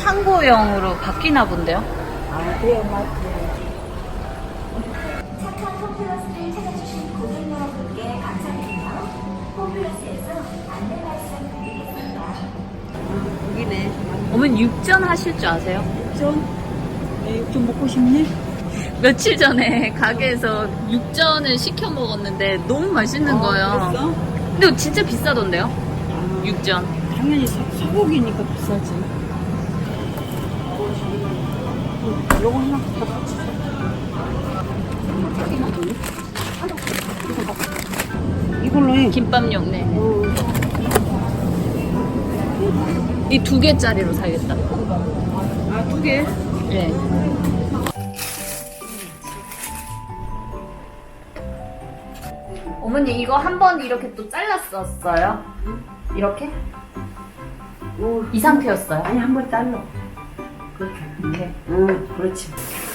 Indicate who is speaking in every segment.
Speaker 1: 창고형으로 바뀌나 본데요?
Speaker 2: 아, 대형마트.
Speaker 3: 착한 홈플러스를 찾아주신 고객 여러분께 감사드리며 홈플러스에서 안내 말씀드리겠습니다.
Speaker 2: 여기네.
Speaker 1: 어머니 육전 하실 줄 아세요?
Speaker 2: 육전? 네, 육전 먹고 싶니?
Speaker 1: 며칠 전에 가게에서 육전을 시켜 먹었는데 너무 맛있는 거예요.
Speaker 2: 그랬어?
Speaker 1: 근데 진짜 비싸던데요?
Speaker 2: 아,
Speaker 1: 육전.
Speaker 2: 당연히 소고기니까 비싸지. 요거 하나 더 같이 사. 이걸로 해.
Speaker 1: 김밥용, 네. 이 2개짜리로 사야겠다.
Speaker 2: 아, 2개?
Speaker 1: 네. 어머니 이거 한 번 이렇게 또 잘랐었어요? 이렇게? 이 상태였어요?
Speaker 2: 아니, 한 번 잘라. 그렇게.
Speaker 1: 이렇게.
Speaker 2: 응, 그렇지.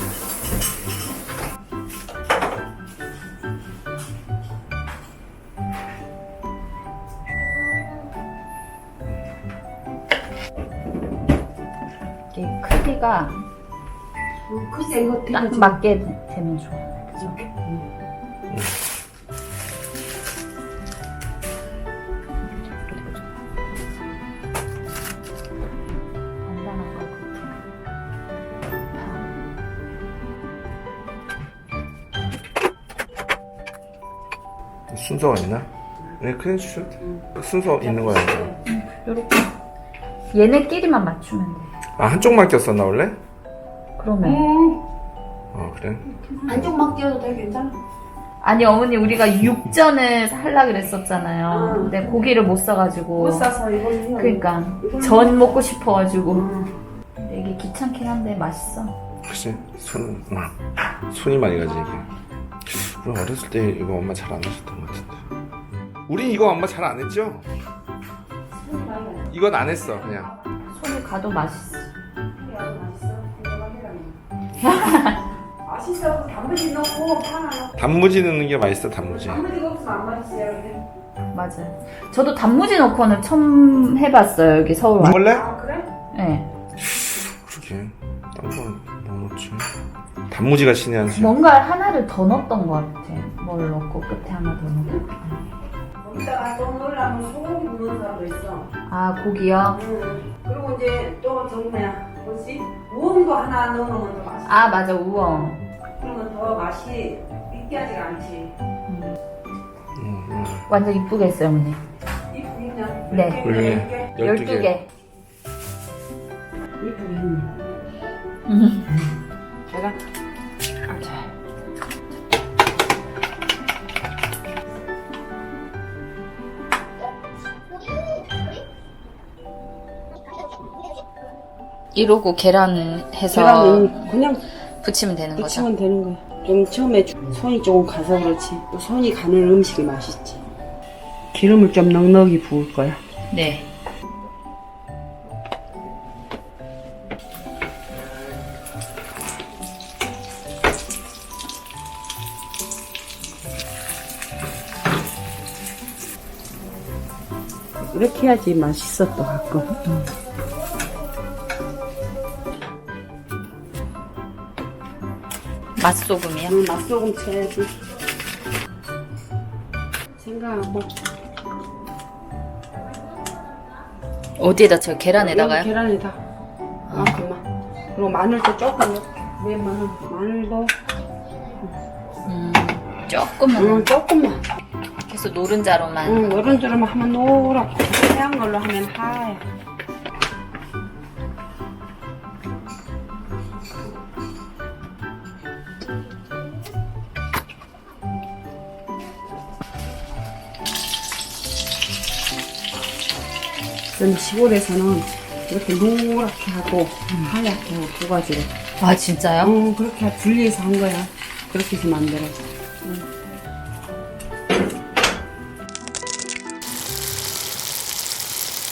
Speaker 1: 이게 크기가
Speaker 2: 글쎄, 이거
Speaker 1: 딱
Speaker 2: 되게
Speaker 1: 맞게 되면 좋아요. 그죠? 간단한 거 그렇게.
Speaker 4: 순서가 있나? 네, 크렌치 순서 있는 거야.
Speaker 1: 요렇게. 얘네끼리만 맞추면 돼.
Speaker 4: 아, 한쪽만 꼈었나 원래?
Speaker 1: 그러면.
Speaker 4: 아, 그래?
Speaker 2: 안쪽만 끼워도 돼, 괜찮아?
Speaker 1: 아니 어머니 우리가 육전을 하려 그랬었잖아요. 근데 고기를 못 사가지고.
Speaker 2: 못 사서 이걸로.
Speaker 1: 그러니까 전 먹고 싶어가지고. 근데 이게 귀찮긴 한데 맛있어.
Speaker 4: 그치? 손이 많이 가지, 이게. 우리 어렸을 때 이거 엄마 잘 안 하셨던 것 같은데. 우린 이거 엄마 잘 안 했죠? 이건 안 했어, 그냥.
Speaker 1: 손이 가도 맛있어.
Speaker 2: 맛있어. 단무지 넣고 하나 넣고.
Speaker 4: 단무지 넣는 게 맛있어, 단무지.
Speaker 2: 단무지가 없으면 안 맛있어요. 근데.
Speaker 1: 맞아요. 저도 단무지 넣고는 처음 해봤어요. 여기 서울 와.
Speaker 4: 원래?
Speaker 2: 아, 그래?
Speaker 1: 네.
Speaker 4: 그러게. 딴 거 뭐 넣지? 단무지가 신의 한 수.
Speaker 1: 뭔가 하나를 더 넣었던 것 같아. 뭘 넣고 끝에 하나 더 넣고.
Speaker 2: 거기다가 또 넣으려면 소고기 넣는 사람도 있어.
Speaker 1: 아 고기요?
Speaker 2: 그리고 이제 또 정말 뭐지? 우엉도 하나 넣어놓으면 더 맛있어.
Speaker 1: 아 맞아 우엉.
Speaker 2: 그러면 더 맛이 느끼하지가 않지.
Speaker 1: 완전 이쁘게 했어요 어머니.
Speaker 2: 이쁘겠냐?
Speaker 1: 네.
Speaker 4: 훌륭해.
Speaker 1: 12개.
Speaker 2: 이쁘게 했네. 제가
Speaker 1: 이러고 계란 해서
Speaker 2: 계란은 그냥
Speaker 1: 부치면 되는 거죠?
Speaker 2: 부치면 되는 거야. 좀 처음에 손이 조금 가서 그렇지. 또 손이 가는 음식이 맛있지. 기름을 좀 넉넉히 부을 거야.
Speaker 1: 네.
Speaker 2: 이렇게 해야지 맛있어 또 가끔.
Speaker 1: 맛소금이요?
Speaker 2: 맛소금 쳐야지. 생각하고.
Speaker 1: 어디에다 쳐요? 계란에다가요?
Speaker 2: 계란에다. 그만. 그리고 마늘도 조금 넣고. 왜 마늘도?
Speaker 1: 조금만.
Speaker 2: 조금만.
Speaker 1: 계속 노른자로만.
Speaker 2: 이런 줄만 하면 노랗고 하얀 걸로 하면 하얘. 그럼 시골에서는 이렇게 노랗게 하고 하얗게 하고 두 가지로.
Speaker 1: 아 진짜요?
Speaker 2: 그렇게 분리해서 한 거야. 그렇게 해서 만들어.